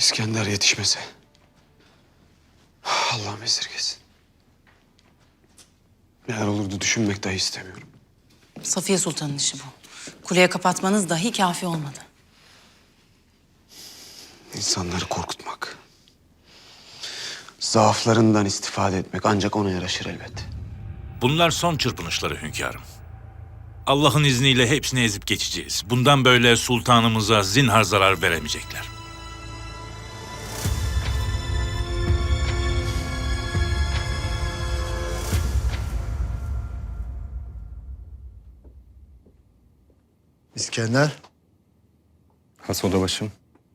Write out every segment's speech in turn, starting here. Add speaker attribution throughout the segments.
Speaker 1: İskender yetişmese. Allah'ım esirgesin. Neler olurdu düşünmek dahi istemiyorum.
Speaker 2: Safiye Sultan'ın işi bu. Kuleye kapatmanız dahi kafi olmadı.
Speaker 1: İnsanları korkutmak. Zaaflarından istifade etmek ancak ona yaraşır elbet.
Speaker 3: Bunlar son çırpınışları hünkârım. Allah'ın izniyle hepsini ezip geçeceğiz. Bundan böyle sultanımıza zinhar zarar veremeyecekler.
Speaker 4: İskender,
Speaker 5: Has odabaşım.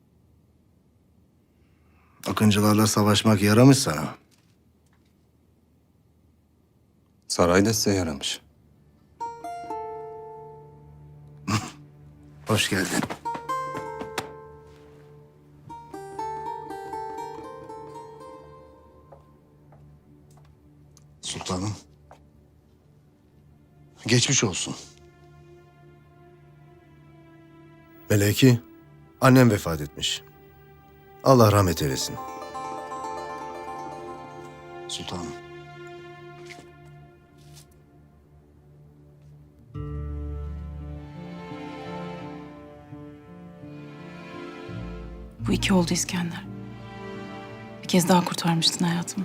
Speaker 4: Akıncılarla savaşmak yaramış sana.
Speaker 5: Sarayda size yaramış.
Speaker 4: Hoş geldin. Sultanım. Geçmiş olsun. Meleki, annem vefat etmiş. Allah rahmet eylesin. Sultanım.
Speaker 2: Bu iki oldu İskender. Bir kez daha kurtarmıştın hayatımı.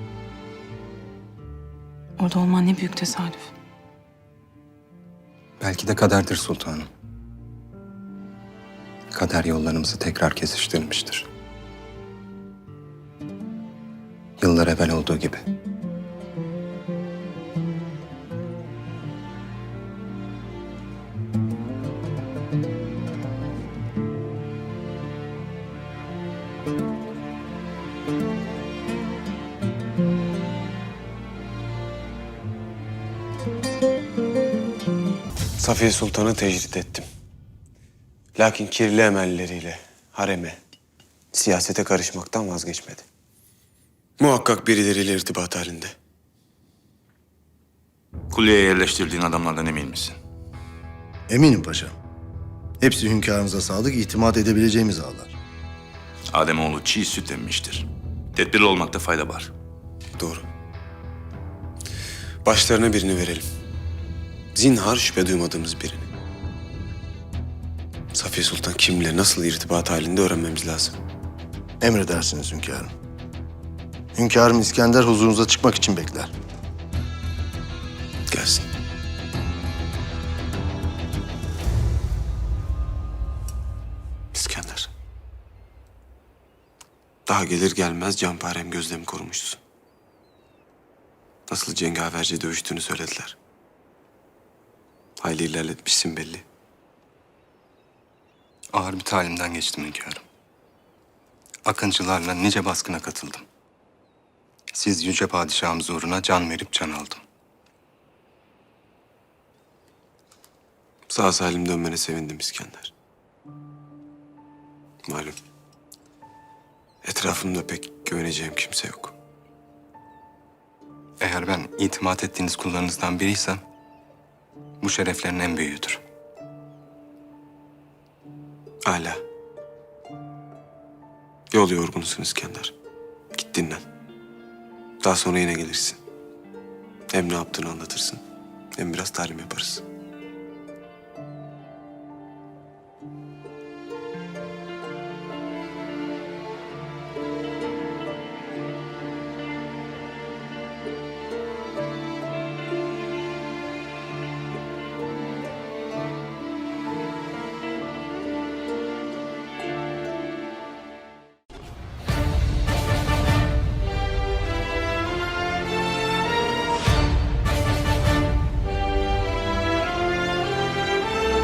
Speaker 2: Orada olman ne büyük tesadüf.
Speaker 5: Belki de kaderdir sultanım. Kader yollarımızı tekrar kesiştirmiştir. Yıllar evvel olduğu gibi.
Speaker 1: Safiye Sultan'ı tecrit ettim. Lakin kirli emelleriyle hareme, siyasete karışmaktan vazgeçmedi. Muhakkak birileriyle irtibat halinde.
Speaker 3: Kuleye yerleştirdiğin adamlardan emin misin?
Speaker 4: Eminim paşam. Hepsi hünkârımıza sadık, itimat edebileceğimiz ağlar.
Speaker 3: Ademoğlu çiğ süt emmiştir. Tedbirli olmakta fayda var.
Speaker 1: Doğru. Başlarına birini verelim. Zinhar şüphe duymadığımız birini. Safiye Sultan kimle nasıl irtibat halinde öğrenmemiz lazım.
Speaker 4: Emredersiniz hünkârım. Hünkârım İskender huzurunuza çıkmak için bekler.
Speaker 1: Gelsin. İskender. Daha gelir gelmez canparem gözlemi korumuşsun. Nasıl cengaverce dövüştüğünü söylediler. Hayli ilerletmişsin belli.
Speaker 5: Ağır bir talimden geçtim hünkârım. Akıncılarla nice baskına katıldım. Siz yüce padişahımız uğruna can verip can aldım.
Speaker 1: Sağ salim dönmene sevindim İskender. Malum. Etrafımda pek güveneceğim kimse yok.
Speaker 5: Eğer ben itimat ettiğiniz kullarınızdan biriysem, bu şereflerin en büyüğüdür.
Speaker 1: Âlâ. Yol yorgunusun İskender. Git dinlen. Daha sonra yine gelirsin. Hem ne yaptığını anlatırsın, hem biraz talim yaparız.